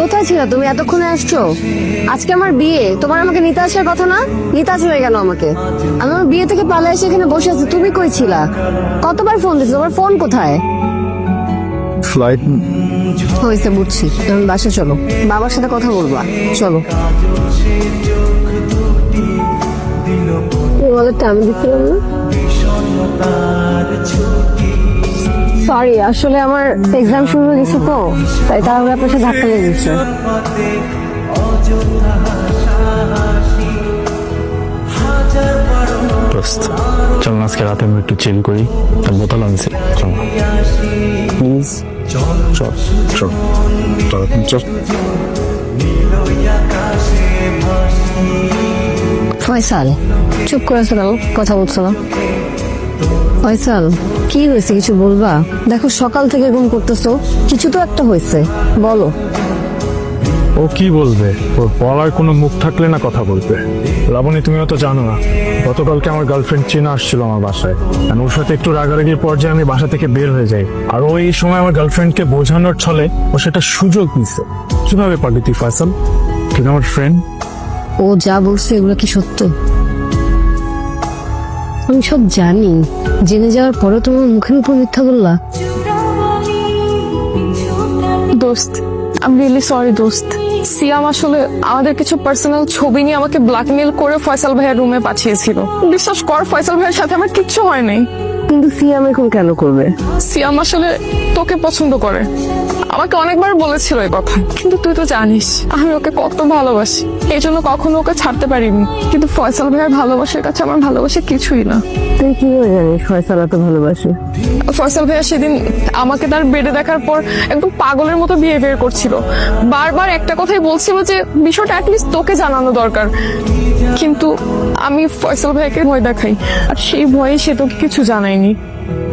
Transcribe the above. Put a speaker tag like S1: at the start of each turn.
S1: কোথায় ছিল তুমি? এতক্ষণে আসছো? আজকে আমার বিয়ে, তোমার আমাকে নিতে আসার কথা না? নিতে আসবে কেন আমাকে? আমি আমার বিয়ে থেকে পালিয়ে এসে এখানে বসে আছি, তুমি কই ছিলা? কতবার ফোন দিছো, তোমার ফোন কোথায়?
S2: ফ্লাইট
S1: হয়েছে, বুঝছি। তুমি বাসা চলো, বাবার সাথে কথা বলবা, চলো। ওয়ালেটটা আমি দিচ্ছিলাম না? সরি, আসলে আমার এক্সাম শুরু হয়ে গেছে তো, তাই তাহলে আপনার সাথে ধাক্কা লেগে গেছে।
S2: চল না, আজকে রাতে আমরা একটু চিল করি। তার বোতল আনছি, চল প্লিজ। চল চল চল চল।
S1: ফয়সাল, চুপ করে আছো কেন? কথা বলছো না? ফয়সাল, কি হয়েছে, কিছু বলবা? দেখো সকাল থেকে ঘুম করতেছো, কিছু তো একটা হয়েছে, বলো।
S2: ও কি বলবে? ওর বলার কোনো মুখ থাকলে না কথা বলবে। লাবণী, তুমিও তো জানো না, গতকালকে আমার গার্লফ্রেন্ড চিনা আসছিল আমার বাসায়। আর ওর সাথে একটু রাগারাগির পর্যায়ে আমি বাসা থেকে বের হয়ে যাই। আর ওই সময় আমার গার্লফ্রেন্ডকে বোঝানোর ছলে ও সেটা সুযোগ নিছে। কিভাবে পারলি তুই ফয়সাল? তুই আমার ফ্রেন্ড।
S1: ও যা বলছে এগুলো কি সত্য? আমি সব জানি, জেনে যাওয়ার পরে তোমার মুখের উপর মিথ্যা বললা।
S3: দোস্ত, আই এম রিয়েলি সরি দোস্ত। সিয়াম আসলে আমাদের কিছু পার্সোনাল ছবি নিয়ে আমাকে ব্ল্যাকমেল করে ফয়সাল ভাইয়ের রুমে পাঠিয়েছিল। বিশ্বাস কর, ফয়সাল ভাইয়ের সাথে আমার কিচ্ছু হয় নাই।
S1: কিন্তু সিয়াম এখন কেন করবে?
S3: সিয়াম আসলে তোকে পছন্দ করে, আমাকে অনেকবার বলেছিল এই কথা। কিন্তু তুই তো জানিস আমি ওকে কত ভালোবাসি, এই জন্য কখনো ওকে ছাড়তে পারিনি। কিন্তু ফয়সাল ভাইয়ের ভালোবাসার কাছে আমার ভালোবাসা কিছুই না।
S1: তুই কিভাবে জানিস ফয়সাল এত ভালোবাসে?
S3: ফয়সাল ভাইয়া সেদিন আমাকে তার বেডে দেখার পর একদম পাগলের মতো বিহেভিয়ার করছিল। বারবার একটা কথাই বলছিল যে বিষয়টা অ্যাটলিস্ট তোকে জানানো দরকার। কিন্তু আমি ফয়সাল ভাইয়াকে ভয় দেখাই, আর সেই ভয়ে সে তোকে কিছু জানায়নি।